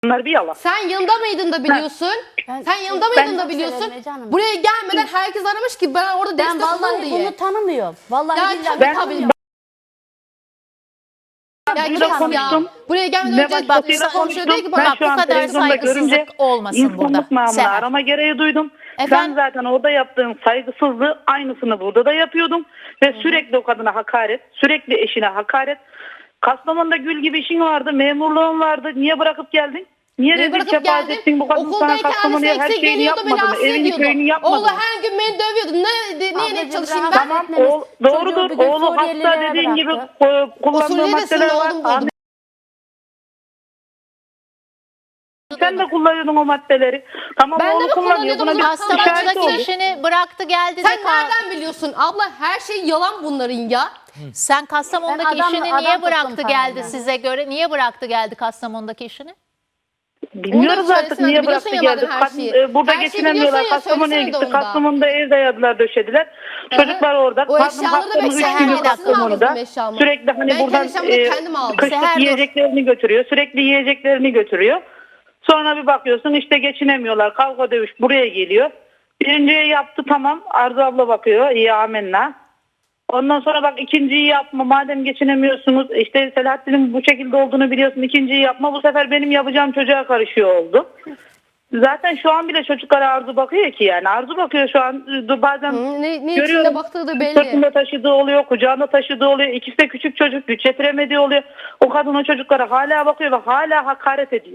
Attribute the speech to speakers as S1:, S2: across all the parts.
S1: Bunlar bir yalan.
S2: Sen yanında mıydın da biliyorsun? Sen yanında mıydın da biliyorsun? Buraya gelmeden herkes aramış ki ben orada
S3: Ben
S2: destek olun
S3: vallahi
S2: diye.
S3: bunu tanımıyorum. Vallahi
S2: Ya
S3: billahi
S2: tabii
S3: tanımıyorum.
S2: Ya
S1: Burada
S2: kes
S1: konuştum.
S2: ya. Buraya gelmeden
S1: Ne
S2: önce
S1: başkasıyla
S2: konuşuyor diyor ki
S1: Ben
S2: bak
S1: şu an
S4: bu kadar
S1: televizyonda görünce
S4: saygısızlık olmasın burada.
S1: insanlık namına
S4: Seher.
S1: arama gereği duydum.
S4: Efendim?
S1: Ben zaten orada yaptığım saygısızlığı aynısını burada da yapıyordum. Ve sürekli o kadına hakaret, sürekli eşine hakaret. Kastamonu'da gül gibi işin vardı, memurluğun vardı. Niye bırakıp geldin? Niye rezil
S2: bırakıp
S1: kefaat
S2: geldim.
S1: ettin bu kadın sana
S2: Okuldayken
S1: Kastamonu'ya
S2: annesi
S1: her
S2: eksik
S1: şeyini
S2: geliyordu beni
S1: yapmadı mı?
S2: rahatsız
S1: Evini köyünü
S2: ediyordu.
S1: yapmadı
S2: Oğlu
S1: mı?
S2: her gün beni dövüyordu. Neye
S3: Ablacığım,
S2: çalışayım
S3: rahat
S2: ben?
S3: etme.
S1: Tamam
S3: Etmemiz.
S1: doğrudur.
S3: Çocuğu bir gün
S1: Oğlu hasta
S3: Suriyelilere
S1: dediğin gibi
S3: bıraktı.
S1: kullandığı
S2: Suriyeli
S1: maddeler var.
S2: oğlum buldum.
S1: Sen de kullanıyordun o maddeleri. Tamam
S2: Ben de
S1: oğlu
S2: mi
S1: kullanıyor. Buna
S2: kullanıyordum?
S1: bir şahit
S4: Kastamonu'daki
S1: oldu.
S4: işini bıraktı geldi
S2: Sen
S4: de
S2: nereden biliyorsun? Abla her şey yalan bunların ya.
S4: Sen Kastamonu'daki
S3: Ben adam-
S4: işini
S3: adam
S4: niye
S3: tuttum
S4: bıraktı geldi
S3: parayla.
S4: size göre? Niye bıraktı geldi Kastamonu'daki işini?
S1: Bilmiyoruz
S2: Onu da
S1: artık
S2: söylesene,
S1: niye
S2: biliyorsun
S1: bıraktı
S2: ya
S1: geldi.
S2: madem her
S1: Kadın,
S2: şeyi.
S1: burada
S2: Her şeyi
S1: geçinemiyorlar.
S2: biliyorsun ya,
S1: Kastamonu'ya
S2: söylesene de
S1: gitti.
S2: onu da.
S1: Kastamonu'da ev dayadılar, döşediler. Çocuklar orada.
S2: O
S1: Kadın
S2: eşyaları da
S1: haftanın üç
S2: bekleyen
S1: günü
S4: bir dakika.
S1: Kastamonu'da.
S2: Aldım eşyamı.
S1: Sürekli hani
S2: Ben
S1: buradan
S2: kendi eşyamı da kendim aldım.
S1: kışlık
S4: Seher, dur.
S1: yiyeceklerini götürüyor. Sürekli yiyeceklerini götürüyor. Sonra bir bakıyorsun işte geçinemiyorlar. Kavga dövüş buraya geliyor. Birinciyi yaptı tamam. Arzu abla bakıyor. İyi amenna. Ondan sonra bak ikinciyi yapma madem geçinemiyorsunuz işte Selahattin'in bu şekilde olduğunu biliyorsun ikinciyi yapma bu sefer benim yapacağım çocuğa karışıyor oldu. Zaten şu an bile çocuklara Arzu bakıyor ki yani Arzu bakıyor şu an bazen
S2: Ne içinde
S1: görüyorum
S2: baktığı da belli.
S1: sırtında taşıdığı oluyor kucağında taşıdığı oluyor ikisi de küçük çocuk güç yetiremediği oluyor o kadın o çocuklara hala bakıyor ve hala hakaret ediyor.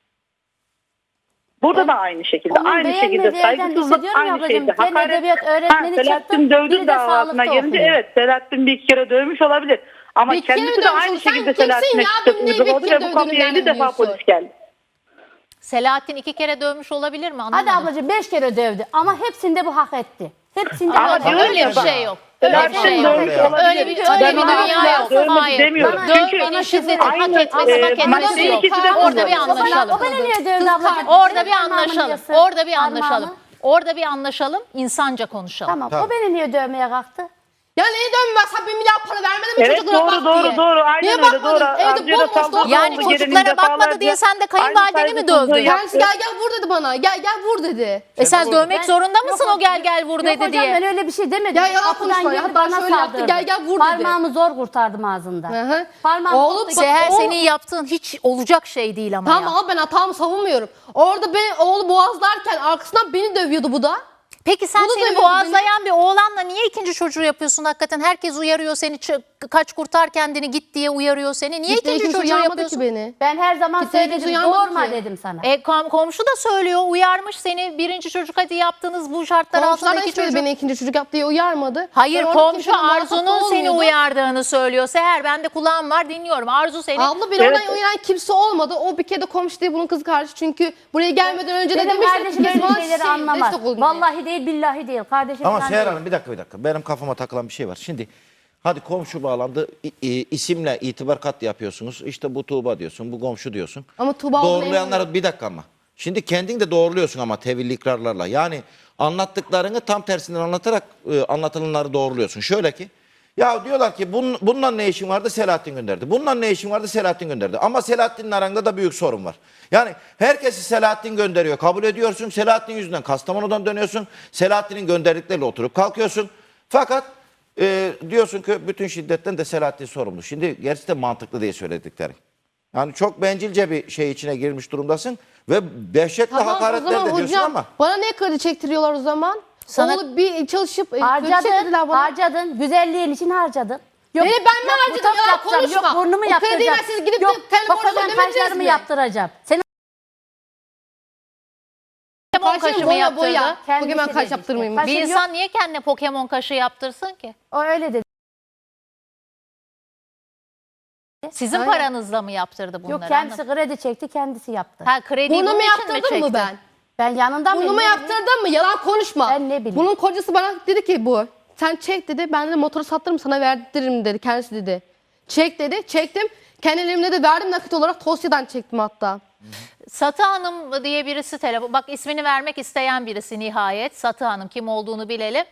S1: Burada da aynı şekilde.
S3: Onun
S1: Aynı şekilde
S3: beğenmediği yerden
S1: saygısızlık,
S3: hissediyorum
S1: aynı
S3: ablacığım.
S1: şekilde
S3: Fen
S1: hakaret.
S3: edebiyat öğretmeni çıktı,
S1: Selahattin
S3: biri
S1: dövdü
S3: de
S1: davasına
S3: sağlıkta
S1: gelince
S3: okuyor.
S1: evet Selahattin bir iki kere dövmüş olabilir. Ama
S2: Bir iki kere
S1: kendisi
S2: mi
S1: de
S2: dövmüş
S1: aynı
S2: oldu? Sen
S1: şekilde
S2: kimsin
S1: Selahattin'e
S2: ya?
S1: şiddet
S2: Benim neyi bir
S1: uyguladı
S2: kere
S1: ve bu
S2: dövdüğünü
S1: konuya 50
S2: nereden
S1: defa
S2: biliyorsun?
S1: polis geldi.
S4: Selahattin 2 kere dövmüş olabilir mi? Anlamadım.
S3: Hadi ablacığım 5 kere dövdü ama hepsinde bu hak etti. Hepsinde
S1: Ama
S3: hak etti.
S1: diyorum
S4: öyle
S1: ya
S4: bir
S1: bak,
S4: şey yok. Öyle bir
S1: Selahattin
S4: şey
S1: dövmüş
S4: yok.
S1: olabilir.
S4: Öyle bir
S1: Ben ona
S4: dünya
S1: asla
S4: yok.
S1: dövmedi
S4: Hayır.
S1: demiyorum. Çünkü
S4: Dövmenin şiddeti hak
S1: aynı,
S4: etmesi hak etmesi
S1: maddeyi
S4: yok.
S1: ikisi de
S4: Orada bir
S1: kullanıyor.
S4: anlaşalım.
S3: O beni niye dövdü ablacığım?
S4: Orada bir
S3: Parmağımı
S4: anlaşalım.
S3: yasın,
S4: Orada bir anlaşalım.
S3: parmağımı.
S4: Orada bir anlaşalım. İnsanca konuşalım.
S3: Tamam.
S5: Tamam.
S3: O beni niye dövmeye kalktı?
S2: Ya neye dönmez? Sen 1 milyar para vermedin mi
S1: Evet,
S2: çocuklara
S1: doğru,
S2: bak
S1: doğru,
S2: diye?
S1: doğru. Aynen
S2: Niye
S1: öyle,
S2: bakmadın?
S1: doğru.
S2: Evde
S1: Amcaya da
S2: bomboş
S1: saldırdı.
S2: doldu.
S4: Yani
S1: Gelinin
S4: çocuklara bakmadı
S1: defalarca
S4: diye sen de
S1: aynı
S4: kayınvalideni mi
S1: saygısızlığı
S4: dövdün?
S1: yaptı.
S2: Kendisi gel vur dedi bana. Gel vur dedi.
S4: Sen dövmek
S3: Ben-
S4: zorunda mısın
S3: Yok
S4: o gel vur
S3: Yok
S4: dedi
S3: hocam
S4: diye?
S3: ben öyle bir şey demedim.
S2: Ya yalan
S3: Kapıdan
S2: konuşma ya.
S3: girdi,
S2: Hatta
S3: bana
S2: şöyle yaptı,
S3: saldırdı.
S2: gel vur dedi.
S3: Parmağımı zor kurtardım ağzından.
S2: Hı hı.
S3: Parmağımı
S2: Oğlum,
S3: tuttu,
S4: Seher
S2: Oğlum-
S4: senin yaptığın hiç olacak şey değil ama
S2: Tamam
S4: ya.
S2: ama ben hatamı savunmuyorum. Orada oğlu boğazlarken arkasından beni dövüyordu bu da.
S4: Peki sen
S2: Bunu
S4: seni
S2: dövüyordu
S4: boğazlayan bir oğlanla niye ikinci çocuğu yapıyorsun hakikaten? Herkes uyarıyor seni, kaç kurtar kendini git diye uyarıyor seni. Niye
S2: Gitti,
S4: ikinci
S2: kimse
S4: çocuğu
S2: uyarmadı
S4: yapıyorsun?
S2: ki beni.
S3: Ben her zaman
S2: Kimse
S3: söyledim.
S2: uyarmadı
S3: Doğurma
S2: ki.
S3: dedim sana.
S4: Komşu da söylüyor, uyarmış seni. Birinci çocuk hadi yaptınız bu şartlar
S2: Komşular
S4: altında
S2: da
S4: iki
S2: hiçbiri
S4: çocuk.
S2: beni ikinci çocuk yap diye uyarmadı.
S4: Hayır
S2: Ben orada
S4: komşu
S2: kimsenin muhatap
S4: Arzu'nun seni
S2: olmuyordum.
S4: uyardığını söylüyor. Seher ben de kulağım var dinliyorum. Arzu seni
S2: Abla beni
S1: Evet.
S2: oradan uyaran kimse olmadı. O bir kere de komşu değil bunun kız kardeşi. Çünkü buraya gelmeden önce de
S3: Benim
S2: demiştim.
S3: kardeşim
S2: ki bana
S3: öyle şeyleri anlamaz.
S2: destek olun diye.
S3: Vallahi değil billahi değil. Kardeşim
S5: Ama
S3: falan
S5: Seher
S3: değil.
S5: Hanım bir dakika. Benim kafama takılan bir şey var. Şimdi hadi komşu bağlandı. İsimle itibar kat yapıyorsunuz. İşte bu Tuğba diyorsun, bu komşu diyorsun.
S2: Ama Tuğba
S5: Doğrulayanları bir dakika ama. Şimdi kendin de doğruluyorsun ama tevilli ikrarlarla. Yani anlattıklarını tam tersinden anlatarak anlatılanları doğruluyorsun. Şöyle ki ya diyorlar ki bununla ne işin vardı? Selahattin gönderdi. Bununla ne işin vardı? Selahattin gönderdi. Ama Selahattin'in aranda da büyük sorun var. Yani herkesi Selahattin gönderiyor. Kabul ediyorsun. Selahattin yüzünden Kastamonu'dan dönüyorsun. Selahattin'in gönderdikleriyle oturup kalkıyorsun. Fakat diyorsun ki bütün şiddetten de Selahattin sorumlu. Şimdi gerçi de mantıklı diye söyledikleri. Yani çok bencilce bir şey içine girmiş durumdasın. Ve dehşetli
S2: Tamam, o
S5: hakaretler
S2: zaman
S5: de diyorsun
S2: hocam,
S5: ama.
S2: bana ne kredi çektiriyorlar o zaman?
S4: Sana-
S2: Oğlu bir çalışıp kredi
S3: Harcadın,
S2: çektirdiler bana.
S3: harcadın. Güzelliğin için harcadın. Yok,
S2: Ben mi harcadım?
S3: botoks
S2: Ya
S3: yapacağım,
S2: konuşma.
S3: Yok burnumu
S2: O krediyi
S3: yaptıracağım.
S2: ben siz gidip de
S3: Yok
S2: telefonu
S3: bakacağım
S2: ödemediniz
S3: kaşlarımı
S2: mi?
S3: yaptıracağım. Senin
S4: Pokemon kaşı mı yaptırdı?
S3: Kendisi
S2: Bugün ben
S3: dedi
S2: kaş
S3: işte.
S2: yaptırmayayım.
S3: Kaş-
S4: Bir
S3: Yok.
S4: insan niye kendine Pokemon kaşı yaptırsın ki?
S3: o öyle dedi.
S4: Sizin
S2: Aynen.
S4: paranızla mı yaptırdı bunları?
S3: Yok kendisi kredi çekti kendisi yaptı.
S4: Ha krediyi
S2: Burnumu
S4: bunun için mi
S2: yaptırdın mı
S4: çekti?
S2: ben?
S3: Ben yanından
S2: Burnumu
S3: mıyım?
S2: yaptırdın mı? Yalan konuşma.
S3: Ben ne bileyim.
S2: Bunun kocası bana dedi ki bu. Sen çek dedi. Ben de motoru sattırırım sana verdiririm dedi. Kendisi dedi. Çek dedi. Çektim. Kendi elimle de verdim nakit olarak Tosya'dan çektim hatta.
S4: Satı Hanım diye birisi telefon. Bak ismini vermek isteyen birisi nihayet. Satı Hanım kim olduğunu bilelim.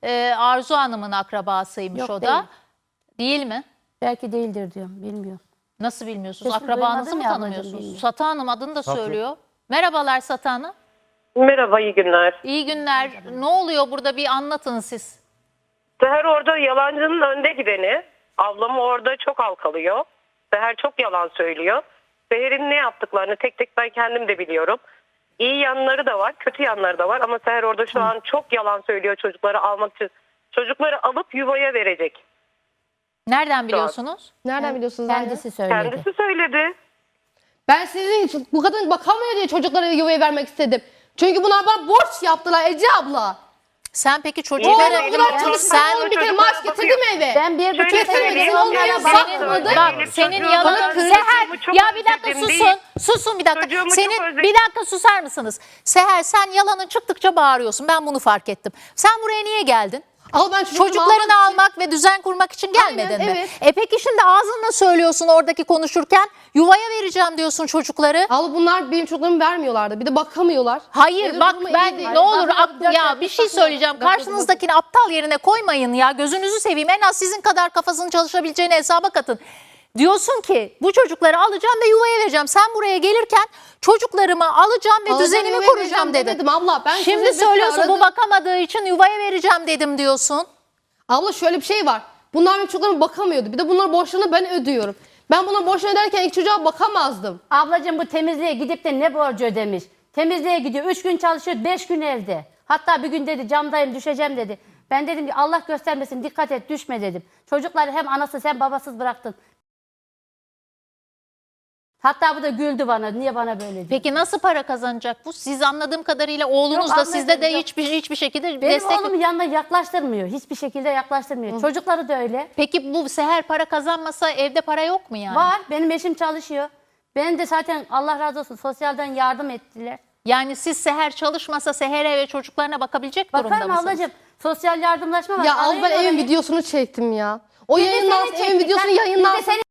S4: Arzu Hanım'ın akrabasıymış
S3: Yok,
S4: o da.
S3: değil.
S4: Değil mi?
S3: Belki değildir diyorum bilmiyorum.
S4: Nasıl bilmiyorsunuz?
S3: Sesini
S4: Akrabanızı
S3: duymadım
S4: mı
S3: ya ablacığım,
S4: tanımıyorsunuz?
S3: bilmiyorum.
S4: Satı Hanım adını da söylüyor. Merhabalar Satı Hanım.
S6: Merhaba, iyi günler.
S4: İyi günler. Ne oluyor burada, bir anlatın siz.
S6: Seher orada yalancının önde gideni. Ablamı orada çok halkalıyor. Seher çok yalan söylüyor. Seher'in ne yaptıklarını tek tek ben kendim de biliyorum. İyi yanları da var, kötü yanları da var. Ama Seher orada şu an çok yalan söylüyor çocukları almak için. Çocukları alıp yuvaya verecek.
S4: Nereden biliyorsunuz?
S2: Nereden biliyorsunuz anne?
S3: Kendisi söyledi.
S6: Kendisi söyledi.
S2: Ben sizin için bu kadın bakamıyor diye çocuklara yuvaya vermek istedim. Çünkü bunlar bana borç yaptılar Ece abla.
S4: Sen peki
S2: Oğlum
S4: çocuklara...
S2: o kadar çalıştı.
S4: Sen...
S2: Oğlum bir kere maaş getirdi mi eve?
S3: Ben 1,5
S6: Şöyle
S3: sene
S6: söyleyeyim,
S3: onlara
S6: benim
S2: bakmadı.
S4: Bak senin yalanın
S6: çocuğumu
S4: Seher
S6: çok
S4: ya bir dakika
S6: özledim
S4: susun.
S6: değil.
S4: Susun bir dakika.
S6: Çocuğumu çok
S4: Senin
S6: özledim.
S4: bir dakika susar mısınız? Seher sen yalanın çıktıkça bağırıyorsun. Ben bunu fark ettim. Sen buraya niye geldin?
S2: Al ben
S4: Çocuklarını almak ve düzen kurmak için gelmedin
S2: Aynen,
S4: mi?
S2: evet.
S4: Peki şimdi ağzınla söylüyorsun oradaki konuşurken yuvaya vereceğim diyorsun çocukları.
S2: Al bunlar benim çocuklarımı vermiyorlardı. Bir de bakamıyorlar.
S4: Hayır
S2: Benim
S4: bak
S2: durumum iyi
S4: ben
S2: değil.
S4: ne olur
S2: Ben
S4: ya bir şey söyleyeceğim. Karşınızdakini aptal yerine koymayın ya. Gözünüzü seveyim. En az sizin kadar kafasının çalışabileceğini hesaba katın. Diyorsun ki bu çocukları alacağım ve yuvaya vereceğim. Sen buraya gelirken çocuklarımı alacağım ve
S2: Alacağım,
S4: düzenimi
S2: yuvaya
S4: kuracağım
S2: vereceğim
S4: dedin.
S2: demedim abla. Ben
S4: Şimdi
S2: sizi
S4: söylüyorsun
S2: aradım.
S4: bu bakamadığı için yuvaya vereceğim dedim diyorsun.
S2: Abla şöyle bir şey var. Bunlar benim çocuklarıma bakamıyordu. Bir de bunların borçlarını ben ödüyorum. Ben buna borçlarını öderken ilk çocuğa bakamazdım.
S3: Ablacığım bu temizliğe gidip de ne borcu ödemiş? Temizliğe gidiyor. 3 gün çalışıyor, 5 gün evde. Hatta bir gün dedi camdayım düşeceğim dedi. Ben dedim ki Allah göstermesin dikkat et düşme dedim. Çocukları hem anası hem babasız bıraktın. Hatta bu da güldü bana. Niye bana böyle dedi?
S4: Peki nasıl para kazanacak bu? Siz anladığım kadarıyla oğlunuz
S3: Yok,
S4: da sizde de
S3: anladım, yok.
S4: hiçbir şekilde
S3: Benim
S4: destek...
S3: oğlumu yanına yaklaştırmıyor. Hiçbir şekilde yaklaştırmıyor. Çocukları da öyle.
S4: Peki bu Seher para kazanmasa evde para yok mu yani?
S3: Var. Benim eşim çalışıyor. Benim de zaten Allah razı olsun sosyalden yardım ettiler.
S4: Yani siz Seher çalışmasa Seher'e ve çocuklarına bakabilecek durumda
S3: Bakarım
S4: mısınız?
S3: ablacığım. Sosyal yardımlaşma var.
S2: Ya al ben
S3: Arayın
S2: evin
S3: orayı.
S2: videosunu çektim ya. O
S3: Biz de
S2: yayınlansın,
S3: seni
S2: evin
S3: çektik.
S2: videosunu
S3: Biz de
S2: yayınlansın.
S3: seni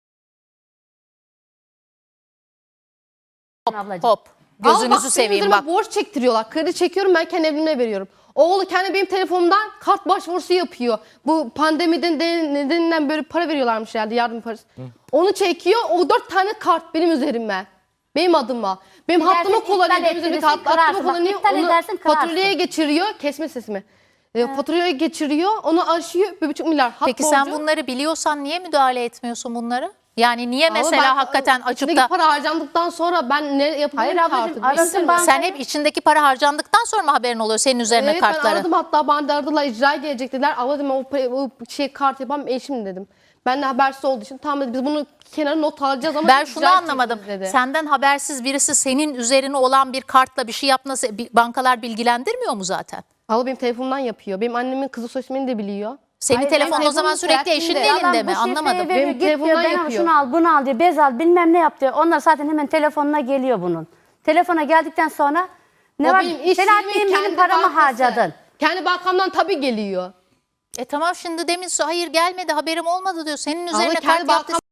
S3: ablacığım.
S4: Hop.
S2: Al bak,
S4: Gözünüzü
S2: benim
S4: seveyim
S2: üzerime
S4: bak.
S2: borç çektiriyorlar. Kredi çekiyorum ben kendi evime veriyorum. Oğlu kendi benim telefonumdan kart başvurusu yapıyor. Bu pandemiden nedeniyle böyle para veriyorlarmış herhalde yardım parası. Onu çekiyor. O 4 tane kart benim üzerime. Benim adıma. Benim
S3: Dilersen
S2: hattımı kullanıyor.
S3: iptal
S2: Benim üzerime
S3: ettirirsin,
S2: hattımı
S3: kırarsın. Bak,
S2: kullanıyor.
S3: iptal
S2: Onu
S3: edersin, kırarsın.
S2: faturyaya geçiriyor. Kesme sesimi. Faturyaya geçiriyor. Onu aşıyor. 1,5 milyar hat
S4: Peki sen
S2: borcu.
S4: bunları biliyorsan niye müdahale etmiyorsun bunları? Yani niye
S2: Ama
S4: mesela
S2: ben,
S4: hakikaten açıp
S2: içindeki
S4: da
S2: para harcandıktan sonra ben ne yapabilirim
S3: Hayır
S2: ki
S3: ablacığım,
S2: artık?
S3: arasın
S2: Bilmiyorum.
S3: ben-
S4: sen hep içindeki para harcandıktan sonra mı haberin oluyor senin üzerine
S2: Evet ben
S4: kartları?
S2: aradım hatta bana da aradılar icraya gelecek dediler. Ama dedim o şey kart yapan eşim dedim. Ben de habersiz olduğu için tamam dedi biz bunu kenara not alacağız ama
S4: Ben
S2: icra
S4: şunu anlamadım.
S2: edeceksiniz dedi.
S4: Senden habersiz birisi senin üzerine olan bir kartla bir şey yapması bankalar bilgilendirmiyor mu zaten?
S2: Abla benim telefonumdan yapıyor. Benim annemin kızı soy ismini de biliyor.
S4: Senin
S3: Hayır,
S4: telefonun
S3: benim
S4: o zaman
S2: telefonum
S4: sürekli eşinin
S2: Selahattin'de.
S4: elinde
S3: Yalan,
S4: mi?
S3: bu şifreyi
S4: Anlamadım.
S3: veriyor,
S2: Benim
S3: git diyor,
S2: telefondan
S3: ben
S2: yapıyor.
S3: şunu al bunu al diyor bez al bilmem ne yap diyor. Onlar zaten hemen telefonuna geliyor bunun. Telefona geldikten sonra ne
S2: O
S3: var?
S2: benim iş
S3: Selahattin
S2: yerimin
S3: benim paramı
S2: bankası.
S3: harcadın.
S2: Kendi bankamdan tabii geliyor.
S4: Tamam şimdi demin hayır gelmedi haberim olmadı diyor. Senin
S2: Ama
S4: üzerine
S2: kendi
S4: kart yaptı.
S2: bankam...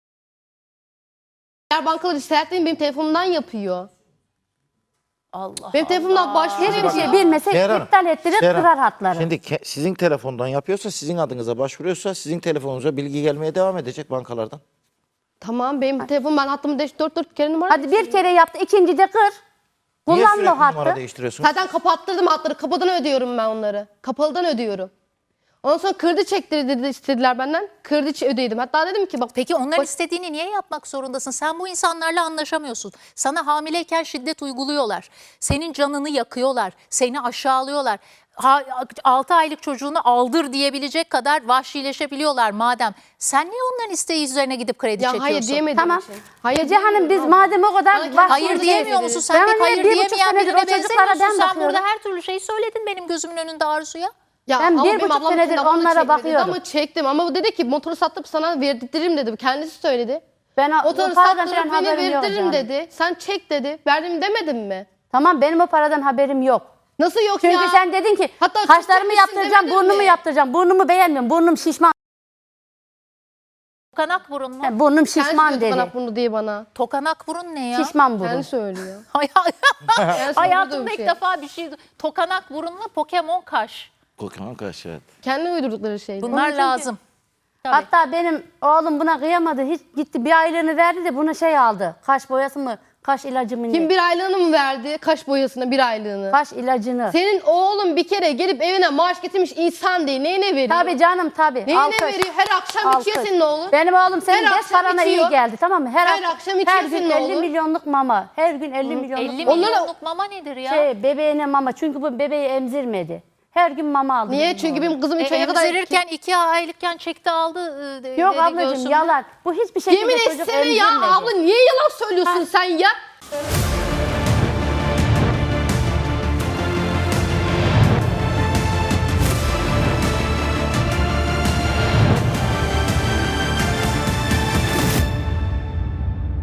S2: Diğer bankaları Selahattin benim telefonumdan yapıyor.
S4: Allah
S2: Benim telefonumdan başvuru
S3: Hiçbir
S2: yapıyor.
S3: şey bilmesek
S5: Seher Hanım,
S3: iptal ettirir
S5: Seher Hanım,
S3: kırar hatları.
S5: Şimdi sizin telefondan yapıyorsa, sizin adınıza başvuruyorsa sizin telefonunuza bilgi gelmeye devam edecek bankalardan.
S2: Tamam benim telefonum ben hattımı 4 kere numara
S3: Hadi bir kere yaptı ikinci de kır.
S5: Niye
S3: Kullanma
S5: sürekli
S3: o hattı.
S5: numara değiştiriyorsun?
S2: Zaten kapattırdım hatları. Kapadan ödüyorum ben onları. Kapalıdan ödüyorum. Ondan sonra kredi çektirdi istediler benden. Kredi ödeydim. Hatta dedim ki bak
S4: Peki onların istediğini niye yapmak zorundasın? Sen bu insanlarla anlaşamıyorsun. Sana hamileyken şiddet uyguluyorlar. Senin canını yakıyorlar. Seni aşağılıyorlar. 6 aylık çocuğunu aldır diyebilecek kadar vahşileşebiliyorlar madem. Sen niye onların isteği üzerine gidip kredi
S2: ya
S4: çekiyorsun?
S2: hayır diyemedim.
S3: Tamam.
S2: Hayır
S3: Ece Hanım biz madem o kadar
S2: Bana
S3: vahşi
S4: Hayır diyemiyor musun? Sen
S3: Ben
S4: pek
S3: hani
S4: hayır
S3: 1,5
S4: diyemeyen
S3: senedir
S4: birine
S3: o çocuklara
S4: benzemiyorsun.
S3: ben
S4: Sen
S3: bakıyorum.
S4: burada her türlü şeyi söyledin benim gözümün önünde Arzu'ya.
S2: Ya
S3: Ben
S2: ama
S3: 1,5
S2: benim ablam
S3: senedir
S2: telefonu
S3: onlara
S2: çekmedi
S3: bakıyorum.
S2: Ama çektim ama bu dedi ki motoru satıp sana verdirtirim dedi. Kendisi söyledi.
S3: Ben o
S2: Motoru
S3: paradan
S2: sattırıp
S3: falan
S2: beni
S3: haberim yok
S2: verdiririm
S3: yani.
S2: dedi. Sen çek dedi. Verdim demedim mi?
S3: Tamam benim o paradan haberim yok.
S2: Nasıl yok
S3: Çünkü
S2: ya?
S3: sen dedin ki
S2: Hatta
S3: kaşlarımı
S2: çekecekmişsin
S3: yaptıracağım,
S2: demedin
S3: burnumu
S2: mi?
S3: yaptıracağım. Burnumu beğenmiyorum. Burnum şişman.
S4: Tokanak burun mu?
S3: Burnum
S2: Kendisi
S3: şişman
S2: diyor
S3: dedi.
S2: bana bunu diye bana.
S4: Tokanak burun ne ya?
S3: Şişman burun.
S2: Kendi söylüyor.
S4: Hayatımda
S2: uydurduğum
S4: ilk
S2: şey.
S4: defa bir şey. Tokanak burunla Pokemon kaş.
S5: Kokan kaç evet.
S2: Kendi uydurdukları şeyler.
S4: Bunlar lazım.
S3: Hatta benim oğlum buna kıyamadı. Hiç gitti bir aylığını verdi de buna şey aldı. Kaş boyası mı? Kaş ilacı mı?
S2: Kim
S3: ne?
S2: bir aylığını mı verdi? Kaş boyasına bir aylığını.
S3: Kaş ilacını.
S2: Senin oğlun bir kere gelip evine maaş getirmiş insan değil. Neyine veriyor?
S3: Tabii canım tabii.
S2: Neyine
S3: Alkış.
S2: veriyor? Her akşam içiyor
S3: Alkış.
S2: senin oğlun.
S3: Benim oğlum senin
S2: Her
S3: 5
S2: akşam
S3: parana
S2: içiyor.
S3: iyi geldi tamam mı?
S2: Her akşam içiyor
S3: her gün
S2: senin
S3: 50
S2: oğlun.
S3: milyonluk mama. Her gün 50 milyonluk
S4: 50
S3: mama.
S4: milyonluk mama nedir ya?
S3: Bebeğine mama. Çünkü bu bebeği emzirmedi. Her gün mama aldı.
S2: Niye?
S3: benim
S2: Çünkü
S3: oğlum.
S2: benim kızım 3 ayına kadar...
S4: Emzirirken 2 aylıkken çekti aldı.
S3: Yok
S4: dedi
S3: ablacığım
S4: göğsümde.
S3: yalan. Bu hiçbir şekilde
S2: Yemin
S3: çocuk
S2: etsene ya
S3: emzirmedi.
S2: abla niye yalan söylüyorsun sen ya?